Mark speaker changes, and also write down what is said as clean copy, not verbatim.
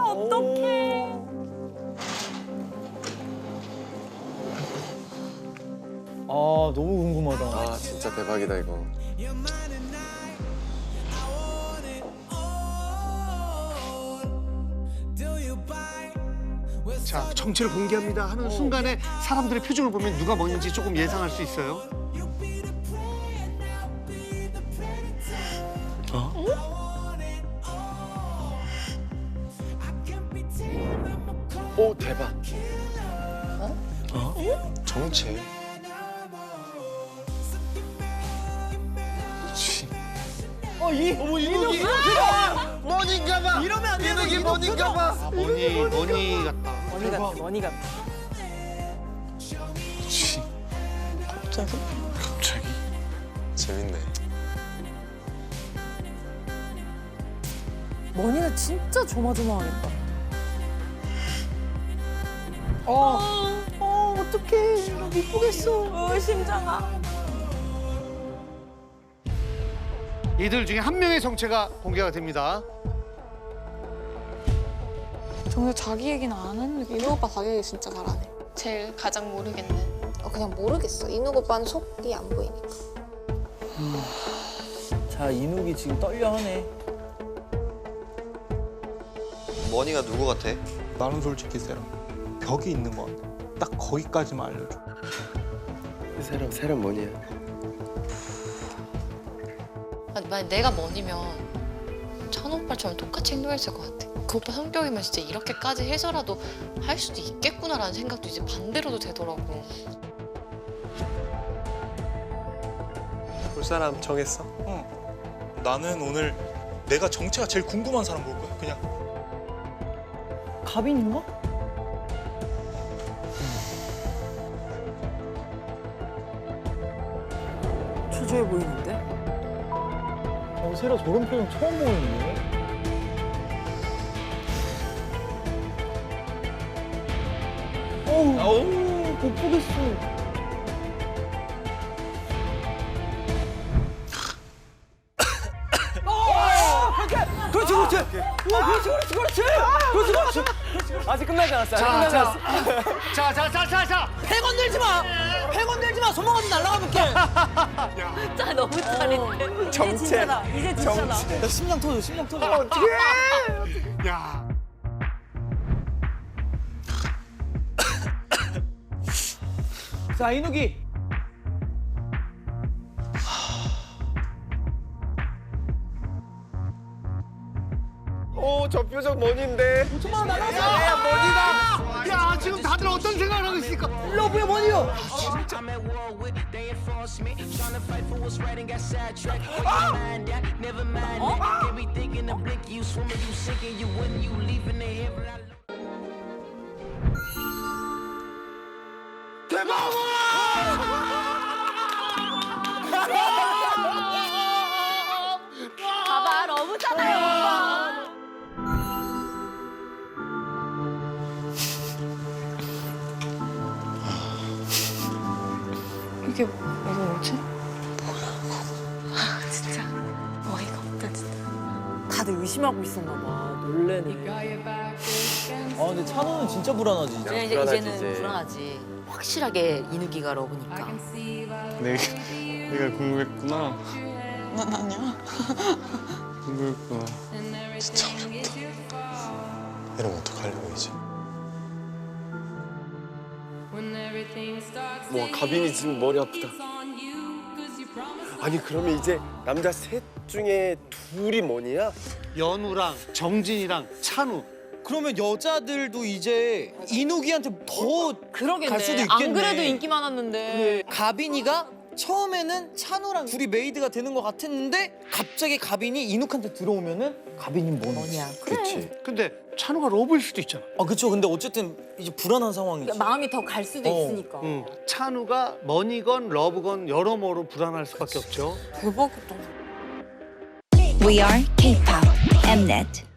Speaker 1: 어떡해.
Speaker 2: 아, 너무 궁금하다.
Speaker 3: 아 진짜 대박이다 이거.
Speaker 4: 자, 정체를 공개합니다 하는 순간에 사람들의 표정을 보면 누가 뭔지 조금 예상할 수 있어요.
Speaker 3: 오 대박. 정체.
Speaker 2: 이누기!
Speaker 3: 머니인가봐.
Speaker 2: 이러면 안 되는
Speaker 3: 이누기 머니인가봐.
Speaker 4: 머니 같다.
Speaker 1: 머니 같아, 머니 같아.
Speaker 3: 갑자기? 재밌네.
Speaker 1: 머니는 진짜 조마조마하겠다. 어떡해. 나 못 보겠어. 심장아.
Speaker 4: 이들 중에 한 명의 정체가 공개가 됩니다.
Speaker 5: 정작 자기 얘기는 안 했는데 인우 오빠 자기 얘기 진짜 잘하네.
Speaker 6: 제일 가장 모르겠네.
Speaker 5: 그냥 모르겠어. 인우 오빠는 속이 안 보이니까.
Speaker 2: 자, 이누기 지금 떨려하네.
Speaker 3: 머니가 누구 같아?
Speaker 7: 나는 솔직히 세라 벽이 있는 것 같아. 딱 거기까지만 알려줘.
Speaker 3: 세람 머니야.
Speaker 6: 만약 내가 머니면 찬호 오빠처럼 똑같이 행동했을 것 같아. 그 오빠 성격이면 진짜 이렇게까지 해서라도 할 수도 있겠구나라는 생각도 이제 반대로도 되더라고.
Speaker 3: 볼 사람 정했어?
Speaker 7: 응. 나는 오늘 내가 정체가 제일 궁금한 사람 볼 거야. 그냥.
Speaker 2: 가빈인가?
Speaker 1: 초조해 보이는데?
Speaker 2: 세라 저런 표정 처음 보이는데? 어우, 못 보겠어. 그렇지, 그렇지. 우와, 그렇지, 그렇지, 그렇지. 그렇지, 그렇지. 아직 끝나지 않았어. 아직 끝나지 않았어.
Speaker 4: 자.
Speaker 2: 팩 건들지 마. 팩 건들지 마. 손목 어디 날아가볼게.
Speaker 1: 진짜 너무 짜릿해. 이제 진짜다. 이제 진짜다.
Speaker 2: 야, 심장 터져, 심장 터져.
Speaker 4: 야,
Speaker 2: 자, 이누기.
Speaker 3: 오저 표정 머니인데.
Speaker 2: 정말 나가자.
Speaker 4: 야, 지금 다들 어떤 생각을 하고 있습니까?
Speaker 2: 러브의 머니요.
Speaker 1: 봐봐, 러브잖아요.
Speaker 6: 이게 뭐지?
Speaker 1: 진짜 어이가 없다, 진짜. 다들 의심하고 있었나 봐.
Speaker 2: 놀래네. 아, 근데 찬호는 진짜 불안하지. 이제.
Speaker 3: 불안하지,
Speaker 8: 이제는
Speaker 3: 이제.
Speaker 8: 불안하지. 확실하게 이누기가 러브니까.
Speaker 3: 내가 궁금했구나.
Speaker 5: 난 아니야.
Speaker 3: 궁금했구나. 진짜 어렵다. 이러면 어떡하려고 이제. 와 가빈이 지금 머리 아프다. 아니 그러면 이제 남자 셋 중에 둘이 머니야?
Speaker 4: 연우랑 정진이랑 찬우.
Speaker 2: 그러면 여자들도 이제 이누기한테 더
Speaker 1: 그러겠네.
Speaker 2: 갈 수도 있겠네.
Speaker 1: 안 그래도 인기 많았는데.
Speaker 2: 가빈이가 처음에는 찬우랑 둘이 메이드가 되는 것 같았는데 갑자기 가빈이 이누한테 들어오면은 가빈이 뭐냐?
Speaker 3: 그렇지.
Speaker 4: 근데 찬우가 러브일 수도 있잖아.
Speaker 2: 아 그쵸. 근데 어쨌든 이제 불안한 상황이지.
Speaker 1: 마음이 더 갈 수도 있으니까.
Speaker 4: 응. 찬우가 머니건 러브건 여러모로 불안할 수밖에 없죠.
Speaker 5: 대박이다.
Speaker 9: We are K-pop Mnet.